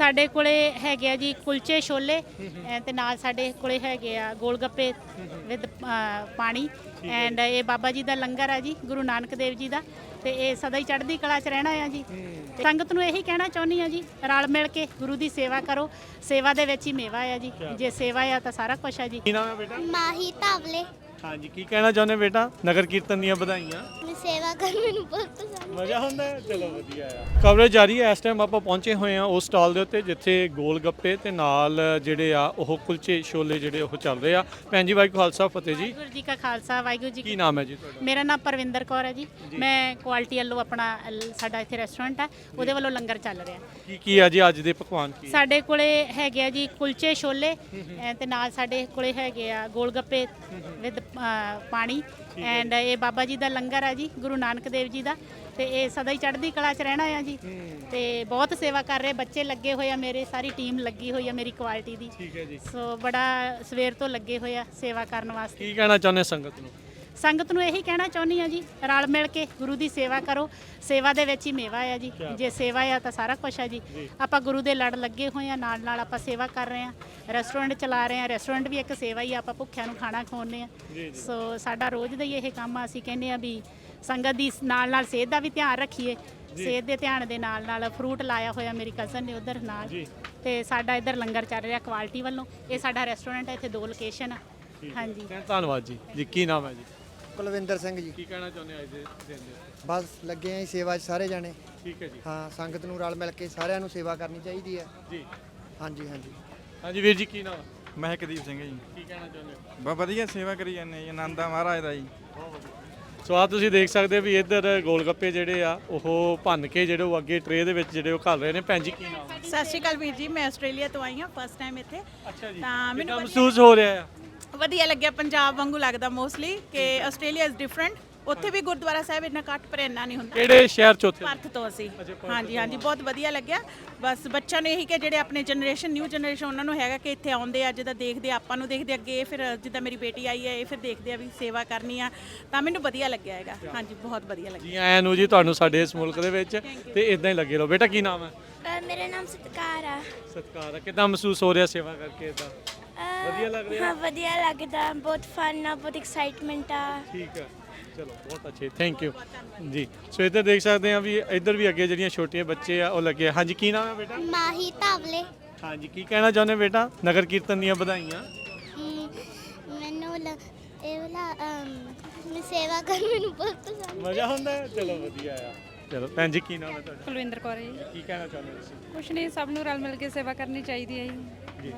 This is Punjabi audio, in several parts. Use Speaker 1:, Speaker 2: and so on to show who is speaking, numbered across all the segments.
Speaker 1: ਸਾਡੇ ਕੋਲੇ ਹੈਗੇ ਆ ਜੀ ਕੁਲਚੇ ਛੋਲੇ ਤੇ ਨਾਲ ਸਾਡੇ ਕੋਲੇ ਹੈਗੇ ਆ ਗੋਲ ਗੱਪੇ ਵਿਦ ਪਾਣੀ ਐਂਡ ਇਹ ਬਾਬਾ ਜੀ ਦਾ ਲੰਗਰ ਆ ਜੀ ਗੁਰੂ ਨਾਨਕ ਦੇਵ ਜੀ ਦਾ ਤੇ ਇਹ ਸਦਾ ਹੀ ਚੜ੍ਹਦੀ ਕਲਾ 'ਚ ਰਹਿਣਾ ਆ ਜੀ। ਸੰਗਤ ਨੂੰ ਇਹੀ ਕਹਿਣਾ ਚਾਹੁੰਦੀ ਆ ਜੀ, ਰਲ ਮਿਲ ਕੇ ਗੁਰੂ ਦੀ ਸੇਵਾ ਕਰੋ, ਸੇਵਾ ਦੇ ਵਿੱਚ ਹੀ ਮੇਵਾ ਆ ਜੀ, ਜੇ ਸੇਵਾ ਆ ਤਾਂ ਸਾਰਾ ਕੁਝ ਆ ਜੀ।
Speaker 2: ਕੀ ਨਾਮ ਹੈ ਬੇਟਾ?
Speaker 3: ਮਾਹੀ ਤਾਵਲੇ।
Speaker 2: ਹਾਂਜੀ, ਕੀ ਕਹਿਣਾ ਚਾਹੁੰਦੇ ਬੇਟਾ? ਨਗਰ ਕੀਰਤਨ ਦੀਆਂ ਵਧਾਈਆਂ।
Speaker 3: ਮੈਂ ਸੇਵਾ ਕਰਨ ਮੈਨੂੰ ਬਹੁਤ ਪਸੰਦ
Speaker 2: ਮਜ਼ਾ ਹੁੰਦਾ ਹੈ, ਚਲੋ ਵਧੀਆ ਆ। ਕਵਰੇਜ ਜਾਰੀ ਹੈ। ਇਸ ਟਾਈਮ ਆਪਾਂ ਪਹੁੰਚੇ ਹੋਏ ਆ ਉਸ ਸਟਾਲ ਦੇ ਉੱਤੇ ਜਿੱਥੇ ਗੋਲ ਗੱਪੇ ਤੇ ਨਾਲ ਜਿਹੜੇ ਆ ਉਹ ਕੁਲਚੇ ਛੋਲੇ ਜਿਹੜੇ ਉਹ ਚੱਲ ਰਹੇ ਆ। ਭੈਣ ਜੀ ਵਾਹਿਗੁਰੂ ਖਾਲਸਾ ਫਤਿਹ ਜੀ।
Speaker 1: ਵਾਹਿਗੁਰੂ ਜੀ ਕਾ ਖਾਲਸਾ ਵਾਹਿਗੁਰੂ ਜੀ
Speaker 2: ਕੀ ਨਾਮ ਹੈ ਜੀ ਤੁਹਾਡਾ?
Speaker 1: ਮੇਰਾ ਨਾਮ ਪਰਵਿੰਦਰ ਕੌਰ ਹੈ ਜੀ। ਮੈਂ ਕੁਆਲਿਟੀ ਵੱਲੋਂ ਆਪਣਾ ਸਾਡਾ ਇੱਥੇ ਰੈਸਟੋਰੈਂਟ ਹੈ ਉਹਦੇ ਵੱਲੋਂ ਲੰਗਰ ਚੱਲ ਰਿਹਾ।
Speaker 2: ਕੀ ਆ ਜੀ ਅੱਜ ਦੇ ਪਕਵਾਨ? ਕੀ
Speaker 1: ਸਾਡੇ ਕੋਲੇ ਹੈਗੇ ਆ ਜੀ ਕੁਲਚੇ ਛੋਲੇ ਤੇ ਨਾਲ ਸਾਡੇ ਕੋਲੇ ਹੈਗੇ ਆ ਗੋਲ ਗੱਪੇ ਵਿਦ ਪਾਣੀ ਐਂਡ ਇਹ ਬਾਬਾ ਜੀ ਦਾ ਲੰਗਰ ਆ ਜੀ ਗੁਰੂ ਨਾਨਕ ਦੇਵ ਜੀ ਦਾ ਤੇ ਇਹ ਸਦਾ ਹੀ ਚੜ੍ਹਦੀ ਕਲਾ 'ਚ ਰਹਿਣਾ ਆ ਜੀ। ਤੇ ਬਹੁਤ ਸੇਵਾ ਕਰ ਰਹੇ ਬੱਚੇ ਲੱਗੇ ਹੋਏ ਆ, ਮੇਰੇ ਸਾਰੀ ਟੀਮ ਲੱਗੀ ਹੋਈ ਆ ਮੇਰੀ ਕੁਆਲਿਟੀ ਦੀ।
Speaker 2: ਠੀਕ ਹੈ ਜੀ।
Speaker 1: ਸੋ ਬੜਾ ਸਵੇਰ ਤੋਂ ਲੱਗੇ ਹੋਏ ਆ ਸੇਵਾ ਕਰਨ ਵਾਸਤੇ।
Speaker 2: ਕੀ ਕਹਿਣਾ ਚਾਹੁੰਦੇ ਸੰਗਤ ਨੂੰ?
Speaker 1: ਸੰਗਤ ਨੂੰ ਇਹੀ ਕਹਿਣਾ ਚਾਹੁੰਦੀ ਆ ਜੀ, ਰਲ ਮਿਲ ਕੇ ਗੁਰੂ ਦੀ ਸੇਵਾ ਕਰੋ, ਸੇਵਾ ਦੇ ਵਿੱਚ ਹੀ ਮੇਵਾ ਆ ਜੀ, ਜੇ ਸੇਵਾ ਆ ਤਾਂ ਸਾਰਾ ਕੁਝ ਆ ਜੀ। ਆਪਾਂ ਗੁਰੂ ਦੇ ਲੜ ਲੱਗੇ ਹੋਏ ਆ, ਨਾਲ ਨਾਲ ਆਪਾਂ ਸੇਵਾ ਕਰ ਰਹੇ ਆ, ਰੈਸਟੋਰੈਂਟ ਚਲਾ ਰਹੇ ਆ, ਰੈਸਟੋਰੈਂਟ ਵੀ ਇੱਕ ਸੇਵਾ ਹੀ ਆ, ਆਪਾਂ ਭੁੱਖਿਆਂ ਨੂੰ ਖਾਣਾ ਖਵਾਉਂਦੇ ਆ। ਸੋ ਸਾਡਾ ਰੋਜ਼ ਦਾ ਹੀ ਇਹ ਕੰਮ ਆ। ਅਸੀਂ ਕਹਿੰਦੇ ਆ ਵੀ ਸੰਗਤ ਦੀ ਨਾਲ ਨਾਲ ਸਿਹਤ ਦਾ ਵੀ ਧਿਆਨ ਰੱਖੀਏ, ਸਿਹਤ ਦੇ ਧਿਆਨ ਦੇ ਨਾਲ ਨਾਲ ਫਰੂਟ ਲਾਇਆ ਹੋਇਆ ਮੇਰੀ ਕਜ਼ਨ ਨੇ ਉਧਰ ਨਾਲ ਤੇ ਸਾਡਾ ਇੱਧਰ ਲੰਗਰ ਚੱਲ ਰਿਹਾ ਕੁਆਲਿਟੀ ਵੱਲੋਂ। ਇਹ ਸਾਡਾ ਰੈਸਟੋਰੈਂਟ ਹੈ, ਇੱਥੇ 2 ਲੋਕੇਸ਼ਨ ਆ। ਹਾਂਜੀ
Speaker 2: ਧੰਨਵਾਦ ਜੀ। ਜੀ ਕੀ ਨਾਮ ਹੈ ਜੀ?
Speaker 4: ਕੁਲਵਿੰਦਰ ਸਿੰਘ ਜੀ।
Speaker 2: ਕੀ ਕਹਿਣਾ ਚਾਹੁੰਦੇ ਅੱਜ ਦੇ ਦਿਨ ਦੇ?
Speaker 4: ਬਸ ਲੱਗੇ ਆਂ ਸੇਵਾ 'ਚ ਸਾਰੇ ਜਾਣੇ।
Speaker 2: ਠੀਕ ਹੈ ਜੀ।
Speaker 4: ਹਾਂ, ਸੰਗਤ ਨੂੰ ਰਲ ਮਿਲ ਕੇ ਸਾਰਿਆਂ ਨੂੰ ਸੇਵਾ ਕਰਨੀ ਚਾਹੀਦੀ ਹੈ
Speaker 2: ਜੀ।
Speaker 4: ਹਾਂਜੀ ਹਾਂਜੀ।
Speaker 2: ਹਾਂਜੀ ਵੀਰ ਜੀ ਕੀ ਨਾਮ?
Speaker 5: ਮਹਿਕਦੀਪ ਸਿੰਘ ਜੀ।
Speaker 2: ਕੀ ਕਹਿਣਾ ਚਾਹੁੰਦੇ ਹੋ?
Speaker 5: ਬਹੁਤ ਵਧੀਆ ਸੇਵਾ ਕਰੀ ਜਾਂਦੇ ਜੀ, ਆਨੰਦ ਆ ਮਹਾਰਾਜ ਦਾ ਜੀ।
Speaker 2: ਸੋ ਆ ਤੁਸੀਂ ਦੇਖ ਸਕਦੇ ਹੋ ਵੀ ਇੱਧਰ ਗੋਲ ਗੱਪੇ ਜਿਹੜੇ ਆ ਉਹ ਭੰਨ ਕੇ ਜਿਹੜੇ ਉਹ ਅੱਗੇ ਟਰੇ ਦੇ ਵਿੱਚ ਜਿਹੜੇ ਉਹ ਘੱਲ ਰਹੇ ਨੇ। ਭੈਣ ਜੀ ਕੀ ਨਾਮ?
Speaker 6: ਸਤਿ ਸ਼੍ਰੀ ਅਕਾਲ ਵੀਰ ਜੀ, ਮੈਂ ਆਸਟ੍ਰੇਲੀਆ ਤੋਂ ਆਈ ਹਾਂ ਫਸਟ ਟਾਈਮ ਇੱਥੇ।
Speaker 2: ਅੱਛਾ ਜੀ।
Speaker 6: ਤਾਂ ਮੈਨੂੰ
Speaker 2: ਮਹਿਸੂਸ ਹੋ ਰਿਹਾ ਆ?
Speaker 6: ਵਧੀਆ ਲੱਗਿਆ, ਪੰਜਾਬ ਵਾਂਗੂ ਲੱਗਦਾ ਮੋਸਟਲੀ ਕਿ ਆਸਟ੍ਰੇਲੀਆ ਇਜ਼ ਡਿਫਰੈਂਟ। ਉੱਥੇ ਵੀ ਗੁਰਦੁਆਰਾ ਸਾਹਿਬ ਇੰਨਾ ਘੱਟ ਪਰ ਇੰਨਾ ਨਹੀਂ ਹੁੰਦਾ।
Speaker 2: ਕਿਹੜੇ ਸ਼ਹਿਰ ਚ ਉੱਥੇ?
Speaker 6: ਪਰਥ ਤੋਂ ਅਸੀਂ। ਹਾਂਜੀ ਹਾਂਜੀ, ਬਹੁਤ ਵਧੀਆ ਲੱਗਿਆ। ਬਸ ਬੱਚਿਆਂ ਨੂੰ ਇਹੀ ਕਿ ਜਿਹੜੇ ਆਪਣੇ ਜਨਰੇਸ਼ਨ ਨਿਊ ਜਨਰੇਸ਼ਨ ਉਹਨਾਂ ਨੂੰ ਹੈਗਾ ਕਿ ਇੱਥੇ ਆਉਂਦੇ ਆ, ਜਿੱਦਾਂ ਦੇਖਦੇ ਆਪਾਂ ਨੂੰ ਦੇਖਦੇ ਅੱਗੇ, ਫਿਰ ਜਿੱਦਾਂ ਮੇਰੀ ਬੇਟੀ ਆਈ ਹੈ ਇਹ ਫਿਰ ਦੇਖਦੇ ਆ ਵੀ ਸੇਵਾ ਕਰਨੀ ਆ, ਤਾਂ ਮੈਨੂੰ ਵਧੀਆ ਲੱਗਿਆ ਹੈਗਾ। ਹਾਂਜੀ ਬਹੁਤ ਵਧੀਆ ਲੱਗਿਆ।
Speaker 2: ਜੀ ਆਇਆਂ ਨੂੰ ਜੀ ਤੁਹਾਨੂੰ ਸਾਡੇ ਇਸ ਮੁਲਕ ਦੇ ਵਿੱਚ ਤੇ ਇਦਾਂ ਹੀ ਲੱਗੇ ਰਹੋ। ਬੇਟਾ ਕੀ ਨਾਮ ਹੈ?
Speaker 3: ਮੇਰਾ ਨਾਮ ਸਤਕਾਰ ਆ।
Speaker 2: ਸਤਿਕਾਰ ਆ। ਕਿੱਦਾਂ ਮਹਿਸੂਸ ਹੋ ਰਿਹਾ ਸੇਵਾ ਕਰਕੇ? ਇਦਾਂ ਵਧੀਆ ਲੱਗ ਰਿਹਾ?
Speaker 3: ਹਾਂ ਵਧੀਆ ਲੱਗਦਾ, ਬਹੁਤ ਫਨ ਆ, ਬਹੁਤ ਐਕਸਾਈਟਮੈਂਟ ਆ।
Speaker 2: ਠੀਕ ਹੈ, ਚਲੋ ਬਹੁਤ ਅੱਛੇ, ਥੈਂਕ ਯੂ ਜੀ। ਸੋ ਇੱਧਰ ਦੇਖ ਸਕਦੇ ਆ ਵੀ ਇੱਧਰ ਵੀ ਅੱਗੇ ਜਿਹੜੀਆਂ ਛੋਟੀਆਂ ਬੱਚੇ ਆ ਉਹ ਲੱਗੇ ਆ। ਹਾਂਜੀ ਕੀ ਨਾਮ ਹੈ ਬੇਟਾ?
Speaker 3: ਮਾਹੀ ਤਾਵਲੇ।
Speaker 2: ਹਾਂਜੀ, ਕੀ ਕਹਿਣਾ ਚਾਹੁੰਦੇ ਬੇਟਾ? ਨਗਰ ਕੀਰਤਨ ਦੀਆਂ ਵਧਾਈਆਂ।
Speaker 3: ਮੈਨੂੰ ਇਹ ਵਾਲਾ ਮੈਂ ਸੇਵਾ ਕਰਨ ਮੈਨੂੰ ਬਹੁਤ ਪਸੰਦ।
Speaker 2: ਮਜ਼ਾ ਹੁੰਦਾ ਹੈ, ਚਲੋ ਵਧੀਆ ਆ। ਚਲੋ ਭੈਣ ਜੀ ਕੀ ਨਾਮ ਹੈ ਤੁਹਾਡਾ?
Speaker 7: ਕੁਲਵਿੰਦਰ ਕੌਰ ਹੈ ਜੀ।
Speaker 2: ਕੀ ਕਹਿਣਾ ਚਾਹੁੰਦੇ ਹੋ ਤੁਸੀਂ?
Speaker 7: ਕੁਛ ਨਹੀਂ, ਸਭ ਨੂੰ ਰਲ ਮਿਲ ਕੇ ਸੇਵਾ ਕਰਨੀ ਚਾਹੀਦੀ ਹੈ ਜੀ।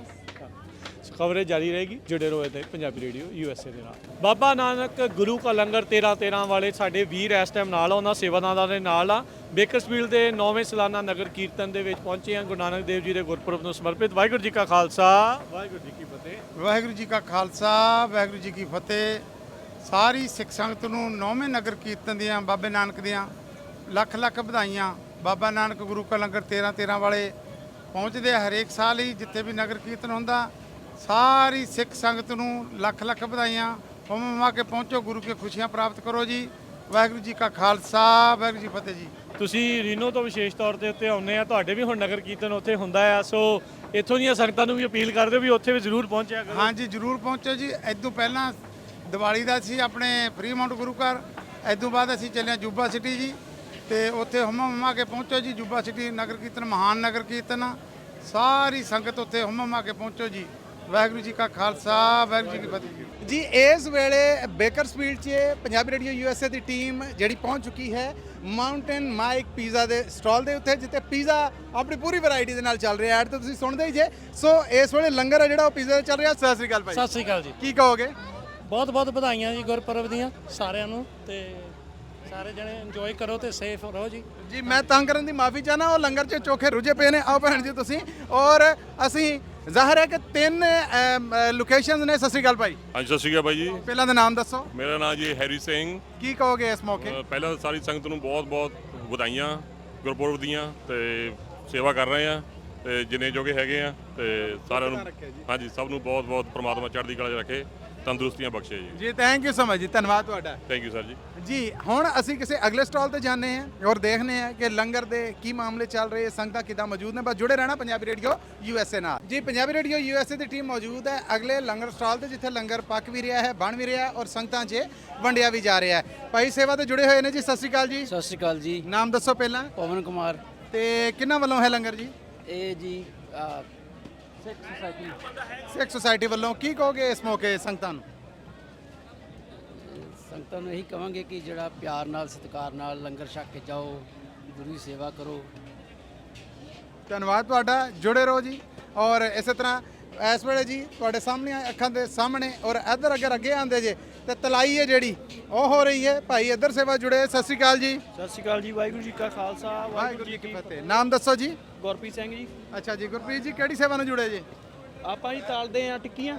Speaker 2: ਸੋ ਖਬਰੇ ਜਾਰੀ ਰਹੇਗੀ, ਜੁੜੇ ਰਹੋ ਇੱਥੇ ਪੰਜਾਬੀ ਰੇਡੀਓ USA ਦੇ ਨਾਲ। ਬਾਬਾ ਨਾਨਕ ਗੁਰੂ ਕਾ ਲੰਗਰ 13 ਵਾਲੇ ਸਾਡੇ ਵੀਰ ਇਸ ਟਾਈਮ ਨਾਲ ਆ, ਉਹਨਾਂ ਸੇਵਾਦਾਰਾਂ ਦੇ ਨਾਲ ਆ। ਬੇਕਰਸਫੀਲਡ ਦੇ 9ਵੇਂ ਸਾਲਾਨਾ ਨਗਰ ਕੀਰਤਨ ਦੇ ਵਿੱਚ ਪਹੁੰਚੇ ਆ ਗੁਰੂ ਨਾਨਕ ਦੇਵ ਜੀ ਦੇ ਗੁਰਪੁਰਬ ਨੂੰ ਸਮਰਪਿਤ। ਵਾਹਿਗੁਰੂ ਜੀ ਕਾ ਖਾਲਸਾ, ਵਾਹਿਗੁਰੂ ਜੀ ਕੀ ਫਤਿਹ।
Speaker 8: ਵਾਹਿਗੁਰੂ ਜੀ ਕਾ ਖਾਲਸਾ, ਵਾਹਿਗੁਰੂ ਜੀ ਕੀ ਫਤਿਹ। ਸਾਰੀ ਸਿੱਖ ਸੰਗਤ ਨੂੰ 9ਵੇਂ ਨਗਰ ਕੀਰਤਨ ਦੀਆਂ ਬਾਬੇ ਨਾਨਕ ਦੀਆਂ ਲੱਖ ਲੱਖ ਵਧਾਈਆਂ। ਬਾਬਾ ਨਾਨਕ ਗੁਰੂ ਕਾ ਲੰਗਰ 13 ਵਾਲੇ ਪਹੁੰਚਦੇ ਆ ਹਰੇਕ ਸਾਲ ਹੀ, ਜਿੱਥੇ ਵੀ ਨਗਰ ਕੀਰਤਨ ਹੁੰਦਾ। ਸਾਰੀ ਸਿੱਖ ਸੰਗਤ ਨੂੰ ਲੱਖ ਲੱਖ ਵਧਾਈਆਂ। ਹੁਮ ਕੇ ਪਹੁੰਚੋ, ਗੁਰੂ ਕੀ ਖੁਸ਼ੀਆਂ ਪ੍ਰਾਪਤ ਕਰੋ ਜੀ। ਵਾਹਿਗੁਰੂ ਜੀ ਕਾ ਖਾਲਸਾ, ਵਾਹਿਗੁਰੂ ਜੀ ਫਤਿਹ ਜੀ।
Speaker 2: ਤੁਸੀਂ ਰੀਨੋ ਤੋਂ ਵਿਸ਼ੇਸ਼ ਤੌਰ ਤੇ ਉੱਤੇ ਆਉਂਦੇ ਆ, ਤੁਹਾਡੇ ਵੀ ਹੁਣ ਨਗਰ ਕੀਰਤਨ ਉੱਥੇ ਹੁੰਦਾ ਆ, ਸੋ ਇੱਥੋਂ ਦੀਆਂ ਸੰਗਤਾਂ ਨੂੰ ਵੀ ਅਪੀਲ ਕਰਦੇ ਵੀ ਉੱਥੇ ਵੀ ਜ਼ਰੂਰ ਪਹੁੰਚਿਆ ਕਰੋ।
Speaker 8: ਹਾਂਜੀ ਜ਼ਰੂਰ ਪਹੁੰਚੋ ਜੀ। ਇਦੋਂ ਪਹਿਲਾਂ ਦੀਵਾਲੀ ਦਾ ਸੀ ਆਪਣੇ ਫਰੀਮਾਊਂਟ ਗੁਰੂ ਘਰ, ਇਦੋਂ ਬਾਅਦ ਅਸੀਂ ਚੱਲੇ ਜੁਬਾ ਸਿਟੀ ਜੀ, ਤੇ ਉੱਥੇ ਹੁਮਾ ਕੇ ਪਹੁੰਚੋ ਜੀ। ਜੁਬਾ ਸਿਟੀ ਨਗਰ ਕੀਰਤਨ ਮਹਾਨ ਨਗਰ ਕੀਰਤਨ ਆ, ਸਾਰੀ ਸੰਗਤ ਉੱਥੇ ਹੁਮਾ ਕੇ ਪਹੁੰਚੋ ਜੀ। ਵਾਹਿਗੁਰੂ ਜੀ ਕਾ ਖਾਲਸਾ, ਵਾਹਿਗੁਰੂ ਜੀ ਕੀ ਫਤਿਹ
Speaker 9: ਜੀ। ਇਸ ਵੇਲੇ ਬੇਕਰਸਫੀਲਡ 'ਚ ਪੰਜਾਬੀ ਰੇਡੀਓ USA ਦੀ ਟੀਮ ਜਿਹੜੀ ਪਹੁੰਚ ਚੁੱਕੀ ਹੈ ਮਾਊਂਟੇਨ ਮਾਈਕ ਪੀਜ਼ਾ ਦੇ ਸਟਾਲ ਦੇ ਉੱਤੇ, ਜਿੱਥੇ ਪੀਜ਼ਾ ਆਪਣੀ ਪੂਰੀ ਵੈਰਾਈਟੀ ਦੇ ਨਾਲ ਚੱਲ ਰਿਹਾ। ਐਡ ਤਾਂ ਤੁਸੀਂ ਸੁਣਦੇ ਹੀ ਜੇ। ਸੋ ਇਸ ਵੇਲੇ ਲੰਗਰ ਆ ਜਿਹੜਾ ਉਹ ਪੀਜ਼ਾ ਦਾ ਚੱਲ ਰਿਹਾ। ਸਤਿ ਸ੍ਰੀ ਅਕਾਲ ਭਾਈ।
Speaker 10: ਸਤਿ ਸ੍ਰੀ ਅਕਾਲ ਜੀ।
Speaker 9: ਕੀ ਕਹੋਗੇ?
Speaker 10: ਬਹੁਤ ਬਹੁਤ ਵਧਾਈਆਂ ਜੀ ਗੁਰਪੁਰਬ ਦੀਆਂ ਸਾਰਿਆਂ ਨੂੰ, ਤੇ ਸਾਰੇ ਜਣੇ ਇੰਜੋਏ ਕਰੋ ਤੇ ਸੇਫ ਰਹੋ ਜੀ।
Speaker 9: ਜੀ ਮੈਂ ਤੰਗ ਕਰਨ ਦੀ ਮਾਫੀ ਚਾਹਨਾ, ਉਹ ਲੰਗਰ 'ਚ ਚੋਖੇ ਰੁੱਝੇ ਪਏ ਨੇ। ਆਓ ਭੈਣ ਜੀ ਤੁਸੀਂ, ਔਰ ਅਸੀਂ ਜ਼ਾਹਰ ਹੈ ਕਿ 3 ਲੋਕੇਸ਼ਨਸ ਨੇ। ਸਤਿ ਸ੍ਰੀ ਅਕਾਲ ਭਾਈ।
Speaker 11: ਹਾਂਜੀ ਸਤਿ ਸ਼੍ਰੀ ਅਕਾਲ ਭਾਈ ਜੀ।
Speaker 9: ਪਹਿਲਾਂ ਦਾ ਨਾਮ ਦੱਸੋ।
Speaker 11: ਮੇਰਾ ਨਾਮ ਜੀ ਹੈਰੀ ਸਿੰਘ।
Speaker 9: ਕੀ ਕਹੋਗੇ ਇਸ ਮੌਕੇ?
Speaker 11: ਪਹਿਲਾਂ ਤਾਂ ਸਾਰੀ ਸੰਗਤ ਨੂੰ ਬਹੁਤ ਬਹੁਤ ਵਧਾਈਆਂ ਗੁਰਪੁਰਬ ਦੀਆਂ, ਤੇ ਸੇਵਾ ਕਰ ਰਹੇ ਆ ਤੇ ਜਿੰਨੇ ਜੋਗੇ ਹੈਗੇ ਆ, ਤੇ ਸਾਰਿਆਂ ਨੂੰ ਹਾਂਜੀ ਸਭ ਨੂੰ ਬਹੁਤ ਬਹੁਤ ਪ੍ਰਮਾਤਮਾ ਚੜ੍ਹਦੀ ਕਲਾ 'ਚ ਰੱਖੇ। ਤੰਦਰੁਸਤੀਆਂ ਬਖਸ਼ੇ ਜੀ।
Speaker 9: ਜੀ ਥੈਂਕ ਯੂ ਸੋ ਮਚ ਜੀ, ਧੰਨਵਾਦ ਤੁਹਾਡਾ
Speaker 11: ਥੈਂਕ ਯੂ ਸਰ ਜੀ।
Speaker 9: ਜੀ ਹੁਣ ਅਸੀਂ ਕਿਸੇ ਅਗਲੇ ਸਟਾਲ ਤੇ ਜਾਂਦੇ ਹਾਂ ਔਰ ਦੇਖਦੇ ਹਾਂ ਕਿ ਲੰਗਰ ਦੇ ਕੀ ਮਾਮਲੇ ਚੱਲ ਰਹੇ, ਸੰਗਤਾਂ ਕਿੱਦਾਂ ਮੌਜੂਦ ਨੇ। ਬਸ ਜੁੜੇ ਰਹਿਣਾ ਪੰਜਾਬੀ ਰੇਡੀਓ USA ਨਾਲ। ਜੀ ਪੰਜਾਬੀ ਰੇਡੀਓ USA ਦੀ ਟੀਮ ਮੌਜੂਦ ਹੈ ਅਗਲੇ ਲੰਗਰ ਸਟਾਲ ਤੇ, ਜਿੱਥੇ ਲੰਗਰ ਪੱਕ ਵੀ ਰਿਹਾ ਹੈ, ਬਣ ਵੀ ਰਿਹਾ ਔਰ ਸੰਗਤਾਂ 'ਚ ਵੰਡਿਆ ਵੀ ਜਾ ਰਿਹਾ ਹੈ। ਭਾਈ ਸੇਵਾ ਤੇ ਜੁੜੇ ਹੋਏ ਨੇ ਜੀ। ਸਤਿ ਸ਼੍ਰੀ ਅਕਾਲ ਜੀ।
Speaker 10: ਸਤਿ ਸ਼੍ਰੀ ਅਕਾਲ ਜੀ।
Speaker 9: ਨਾਮ ਦੱਸੋ ਪਹਿਲਾਂ।
Speaker 10: ਪਵਨ ਕੁਮਾਰ।
Speaker 9: ਤੇ ਕਿਹਨਾਂ ਵੱਲੋਂ ਹੈ ਲੰਗਰ ਜੀ?
Speaker 10: ਇਹ ਜੀ ਸਿੱਖ ਸੁਸਾਇਟੀ।
Speaker 9: ਸਿੱਖ ਸੁਸਾਇਟੀ ਵੱਲੋਂ। ਕੀ ਕਹੋਗੇ ਇਸ ਮੌਕੇ ਸੰਗਤਾਂ ਨੂੰ?
Speaker 10: ਸੰਗਤਾਂ ਨੂੰ ਇਹੀ ਕਵਾਂਗੇ ਕਿ ਜਿਹੜਾ ਪਿਆਰ ਨਾਲ ਸਤਿਕਾਰ ਨਾਲ ਲੰਗਰ ਛਕ ਕੇ ਜਾਓ, ਗੁਰੂ ਦੀ ਸੇਵਾ ਕਰੋ।
Speaker 9: ਧੰਨਵਾਦ ਤੁਹਾਡਾ, ਜੁੜੇ ਰਹੋ ਜੀ। ਔਰ ਇਸੇ ਤਰ੍ਹਾਂ ਇਸ ਵੇਲੇ ਜੀ ਤੁਹਾਡੇ ਸਾਹਮਣੇ ਅੱਖਾਂ ਦੇ ਸਾਹਮਣੇ ਔਰ ਇੱਧਰ ਅਗਰ ਅੱਗੇ ਆਉਂਦੇ ਜੇ ਤੇ ਤਲਾਈ ਹੈ ਜਿਹੜੀ ਉਹ ਹੋ ਰਹੀ ਹੈ। ਭਾਈ ਇੱਧਰ ਸੇਵਾ ਜੁੜੇ। ਸਤਿ ਸ਼੍ਰੀ ਅਕਾਲ ਜੀ।
Speaker 2: ਸਤਿ ਸ਼੍ਰੀ ਅਕਾਲ ਜੀ। ਵਾਹਿਗੁਰੂ ਜੀ ਕਾ ਖਾਲਸਾ,
Speaker 9: ਵਾਹਿਗੁਰੂ ਜੀ ਕੀ ਫਤਿਹ। ਨਾਮ ਦੱਸੋ ਜੀ।
Speaker 2: ਗੁਰਪ੍ਰੀਤ ਸਿੰਘ ਜੀ।
Speaker 9: ਅੱਛਾ ਜੀ, ਗੁਰਪ੍ਰੀਤ ਜੀ ਕਿਹੜੀ ਸੇਵਾ ਨੂੰ ਜੁੜੇ ਜੀ?
Speaker 2: ਆਪਾਂ ਜੀ ਤਾਲਦੇ ਆ ਟਿੱਕੀਆਂ।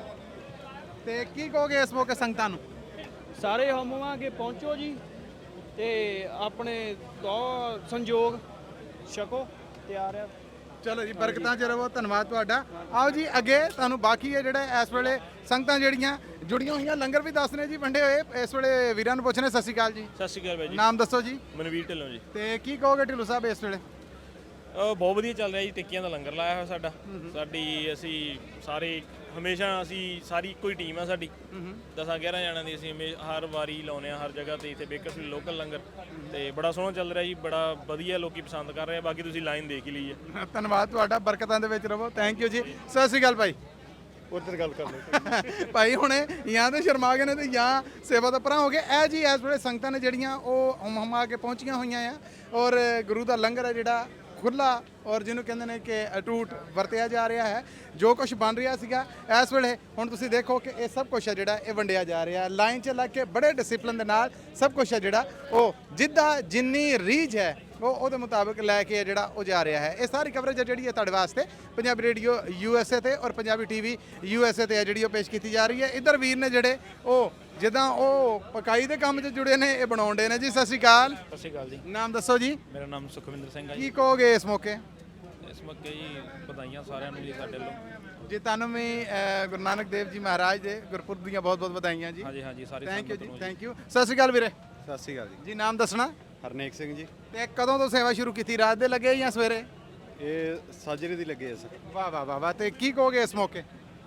Speaker 9: ਤੇ ਕੀ ਕਹੋਗੇ ਇਸ ਮੌਕੇ ਸੰਗਤਾਂ ਨੂੰ?
Speaker 2: ਸਾਰੇ ਹੋਵਾਂਗੇ ਪਹੁੰਚੋ ਜੀ ਤੇ ਆਪਣੇ ਦੋ ਸੰਯੋਗ ਛਕੋ। ਤਿਆਰ ਆ।
Speaker 9: ਚਲੋ ਜੀ, ਬਰਕਤਾਂ 'ਚ ਰਹੋ। ਧੰਨਵਾਦ ਤੁਹਾਡਾ। ਆਓ ਜੀ ਅੱਗੇ ਤੁਹਾਨੂੰ ਬਾਕੀ ਹੈ ਜਿਹੜਾ ਇਸ ਵੇਲੇ ਸੰਗਤਾਂ ਜਿਹੜੀਆਂ ਜੁੜੀਆਂ ਹੋਈਆਂ ਲੰਗਰ ਵੀ ਦੱਸਣੇ ਜੀ ਵੰਡੇ ਹੋਏ। ਇਸ ਵੇਲੇ ਵੀਰਾਂ ਨੂੰ ਪੁੱਛਣੇ। ਸਤਿ ਸ਼੍ਰੀ ਅਕਾਲ ਜੀ।
Speaker 2: ਸਤਿ ਸ਼੍ਰੀ ਅਕਾਲ ਬਾਈ ਜੀ।
Speaker 9: ਨਾਮ ਦੱਸੋ ਜੀ।
Speaker 2: ਮਨਵੀਰ ਢਿੱਲੋਂ ਜੀ।
Speaker 9: ਤੇ ਕੀ ਕਹੋਗੇ ਢਿੱਲੋਂ ਸਾਹਿਬ ਇਸ ਵੇਲੇ?
Speaker 2: ਬਹੁਤ ਵਧੀਆ ਚੱਲ ਰਿਹਾ ਜੀ। ਟਿੱਕੀਆਂ ਦਾ ਲੰਗਰ ਲਾਇਆ ਹੋਇਆ ਸਾਡਾ। ਅਸੀਂ ਸਾਰੇ ਹਮੇਸ਼ਾ ਸਾਰੀ ਇੱਕੋ ਹੀ ਟੀਮ ਆ ਸਾਡੀ। 10-11 ਜਣਾਂ ਦੀ ਅਸੀਂ ਹਰ ਵਾਰੀ ਲਾਉਂਦੇ ਆ ਹਰ ਜਗ੍ਹਾ ਤੇ। ਇੱਥੇ ਬੇਕਰਸਫੀਲਡ ਲੋਕਲ ਲੰਗਰ ਤੇ ਬੜਾ ਸੋਹਣਾ ਚੱਲ ਰਿਹਾ ਜੀ। ਬੜਾ ਵਧੀਆ ਲੋਕੀ ਪਸੰਦ ਕਰ ਰਹੇ ਆ। ਬਾਕੀ ਤੁਸੀਂ ਲਾਈਨ ਦੇਖ ਹੀ ਲਈ ਹੈ।
Speaker 9: ਧੰਨਵਾਦ ਤੁਹਾਡਾ, ਬਰਕਤਾਂ ਦੇ ਵਿੱਚ ਰਹੋ। ਥੈਂਕ ਯੂ ਜੀ। ਸਤਿ ਸ਼੍ਰੀ ਅਕਾਲ ਭਾਈ।
Speaker 2: ਉੱਧਰ ਗੱਲ ਕਰ ਲਓ
Speaker 9: ਭਾਈ ਹੁਣੇ ਜਾਂ ਤੇ ਸ਼ਰਮਾ ਗਏ ਨੇ ਤੇ ਜਾਂ ਸੇਵਾ ਤੋਂ ਪਰਾਂ ਹੋ ਗਏ। ਇਹ ਜੀ ਇਸ ਵੇਲੇ ਸੰਗਤਾਂ ਨੇ ਜਿਹੜੀਆਂ ਉਹ ਹਮਾ ਕੇ ਪਹੁੰਚੀਆਂ ਹੋਈਆਂ ਆ ਔਰ ਗੁਰੂ ਦਾ ਲੰਗਰ ਹੈ ਜਿਹੜਾ ਖੁੱਲਾ ਔਰ ਜਿਹਨੂੰ ਕਹਿੰਦੇ ਨੇ ਕਿ ਅਟੂਟ ਵਰਤਿਆ ਜਾ ਰਿਹਾ ਹੈ। ਜੋ ਕੁਝ ਬਣ ਰਿਹਾ ਸੀਗਾ ਇਸ ਵੇਲੇ ਹੁਣ ਤੁਸੀਂ ਦੇਖੋ ਕਿ ਇਹ ਸਭ ਕੁਝ ਹੈ ਜਿਹੜਾ ਇਹ ਵੰਡਿਆ ਜਾ ਰਿਹਾ। ਲਾਈਨ 'ਚ ਲੱਗ ਕੇ ਬੜੇ ਡਿਸਪਲਿਨ ਦੇ ਨਾਲ ਸਭ ਕੁਝ ਹੈ ਜਿਹੜਾ ਉਹ ਜਿੱਦਾਂ ਜਿੰਨੀ ਰੀਝ ਹੈ ਉਹ ਉਹਦੇ ਮੁਤਾਬਕ ਲੈ ਕੇ ਜਿਹੜਾ ਉਹ ਜਾ ਰਿਹਾ ਹੈ। ਇਹ ਸਾਰੀ ਕਵਰੇਜ ਹੈ ਜਿਹੜੀ ਹੈ ਤੁਹਾਡੇ ਵਾਸਤੇ ਪੰਜਾਬੀ ਰੇਡੀਓ USA ਤੇ ਔਰ ਪੰਜਾਬੀ TV USA ਤੇ ਹੈ ਜਿਹੜੀ ਉਹ ਪੇਸ਼ ਕੀਤੀ ਜਾ ਰਹੀ ਹੈ। ਇੱਧਰ ਵੀਰ ਨੇ ਜਿਹੜੇ ਉਹ ਜਿੱਦਾਂ ਉਹ ਪਕਾਈ ਦੇ ਕੰਮ 'ਚ ਜੁੜੇ ਨੇ, ਇਹ ਬਣਾਉਂਦੇ ਨੇ ਜੀ। ਸਤਿ ਸ਼੍ਰੀ ਅਕਾਲ।
Speaker 2: ਸਤਿ ਸ਼੍ਰੀ ਅਕਾਲ ਜੀ।
Speaker 9: ਨਾਮ ਦੱਸੋ ਜੀ।
Speaker 2: ਮੇਰਾ ਨਾਮ ਸੁਖਵਿੰਦਰ ਸਿੰਘ ਹੈ
Speaker 9: ਕੀ
Speaker 2: ਜੀ।
Speaker 9: ਕਹੋਗੇ ਇਸ ਮੌਕੇ?
Speaker 2: ਇਸ ਮੌਕੇ ਜੀ ਵਧਾਈਆਂ ਸਾਰਿਆਂ ਨੂੰ ਜੀ ਸਾਡੇ ਵੱਲੋਂ।
Speaker 9: ਜੀ ਤੁਹਾਨੂੰ ਵੀ ਗੁਰੂ ਨਾਨਕ ਦੇਵ ਜੀ ਮਹਾਰਾਜ ਦੇ ਗੁਰਪੁਰਬ ਦੀਆਂ ਬਹੁਤ ਬਹੁਤ ਵਧਾਈਆਂ ਜੀ।
Speaker 2: ਹਾਂਜੀ ਹਾਂਜੀ ਸਾਰੇ
Speaker 9: ਥੈਂਕ ਯੂ
Speaker 2: ਸੰਗਤ
Speaker 9: ਜੀ।
Speaker 2: ਨੂੰ
Speaker 9: ਥੈਂਕ ਯੂ। ਸਤਿ ਸ਼੍ਰੀ ਅਕਾਲ ਵੀਰੇ।
Speaker 5: ਸਤਿ ਸ਼੍ਰੀ ਅਕਾਲ ਜੀ।
Speaker 9: ਜੀ ਨਾਮ ਦੱਸਣਾ।
Speaker 5: ਹਰਨੇਕ ਸਿੰਘ ਜੀ।
Speaker 9: ਤੇ ਕਦੋਂ ਤੋਂ ਸੇਵਾ ਸ਼ੁਰੂ ਕੀਤੀ? ਰਾਤ ਦੇ ਲੱਗੇ ਜਾਂ ਸਵੇਰੇ?
Speaker 5: ਇਹ ਸਾਜਰੇ ਦੀ ਲੱਗੇ ਆ ਸਰ।
Speaker 9: ਵਾਹ ਵਾਹ ਵਾਹ ਵਾਹ। ਤੇ ਕੀ ਕਹੋਗੇ ਇਸ ਮੌਕੇ?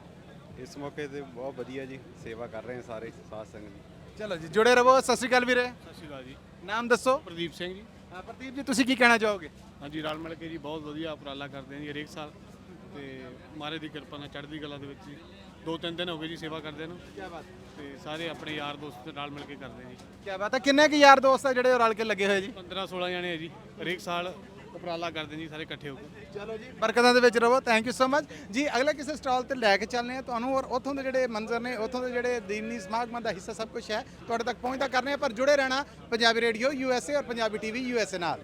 Speaker 5: ਇਸ ਮੌਕੇ ਤੇ ਬਹੁਤ ਵਧੀਆ ਜੀ, ਸੇਵਾ ਕਰ ਰਹੇ ਆ ਸਾਰੇ ਸਾਧ ਸੰਗਤ ਜੀ।
Speaker 9: ਚਲੋ ਜੀ, ਜੁੜੇ ਰਹੋ। ਸਤਿ ਸ਼੍ਰੀ ਅਕਾਲ ਵੀਰੇ।
Speaker 2: ਸਤਿ ਸ਼੍ਰੀ ਅਕਾਲ ਜੀ।
Speaker 9: ਨਾਮ ਦੱਸੋ।
Speaker 2: ਪ੍ਰਦੀਪ ਸਿੰਘ ਜੀ।
Speaker 9: ਹਾਂ ਪ੍ਰਦੀਪ ਜੀ, ਤੁਸੀਂ ਕੀ ਕਹਿਣਾ ਚਾਹੋਗੇ?
Speaker 2: ਹਾਂਜੀ, ਰਲ ਮਿਲ ਕੇ ਜੀ ਬਹੁਤ ਵਧੀਆ ਉਪਰਾਲਾ ਕਰਦੇ ਆ ਜੀ ਹਰੇਕ ਸਾਲ ਤੇ ਮਹਾਰਾਜ ਦੀ ਕਿਰਪਾ ਨਾਲ ਚੜ੍ਹਦੀ ਕਲਾ ਦੇ ਵਿੱਚ ਜੀ 2-3 ਦਿਨ ਹੋ ਗਏ ਜੀ ਸੇਵਾ ਕਰਦੇ ਨੂੰ।
Speaker 9: ਕੀ ਬਾਤ।
Speaker 2: ਤੇ ਸਾਰੇ ਆਪਣੇ ਯਾਰ ਦੋਸਤ ਨਾਲ ਮਿਲ ਕੇ ਕਰਦੇ ਜੀ।
Speaker 9: ਕੀ ਬਾਤ ਹੈ। ਕਿੰਨੇ ਕੁ ਯਾਰ ਦੋਸਤ ਆ ਜਿਹੜੇ ਉਹ ਰਲ ਕੇ ਲੱਗੇ ਹੋਏ ਜੀ?
Speaker 2: 15-16 ਜਣੇ ਆ ਜੀ। ਹਰੇਕ ਸਾਲ ਉਪਰਾਲਾ ਕਰਦੇ ਜੀ ਸਾਰੇ ਇਕੱਠੇ ਹੋ ਕੇ।
Speaker 9: ਚਲੋ ਜੀ, ਬਰਕਤਾਂ ਦੇ ਵਿੱਚ ਰਹੋ। ਥੈਂਕ ਯੂ ਸੋ ਮਚ ਜੀ। ਅਗਲੇ ਕਿਸੇ ਸਟਾਲ ਤੇ ਲੈ ਕੇ ਚੱਲਨੇ ਆ ਤੁਹਾਨੂੰ ਔਰ ਉੱਥੋਂ ਦੇ ਜਿਹੜੇ ਮੰਜ਼ਰ ਨੇ, ਉੱਥੋਂ ਦੇ ਜਿਹੜੇ ਦੀਨੀ ਸਮਾਗਮਾਂ ਦਾ ਹਿੱਸਾ ਸਭ ਕੁਝ ਹੈ ਤੁਹਾਡੇ ਤੱਕ ਪਹੁੰਚਦਾ ਕਰਨੇ ਆ। ਪਰ ਜੁੜੇ ਰਹਿਣਾ ਪੰਜਾਬੀ ਰੇਡੀਓ USA ਔਰ ਪੰਜਾਬੀ TV USA ਨਾਲ।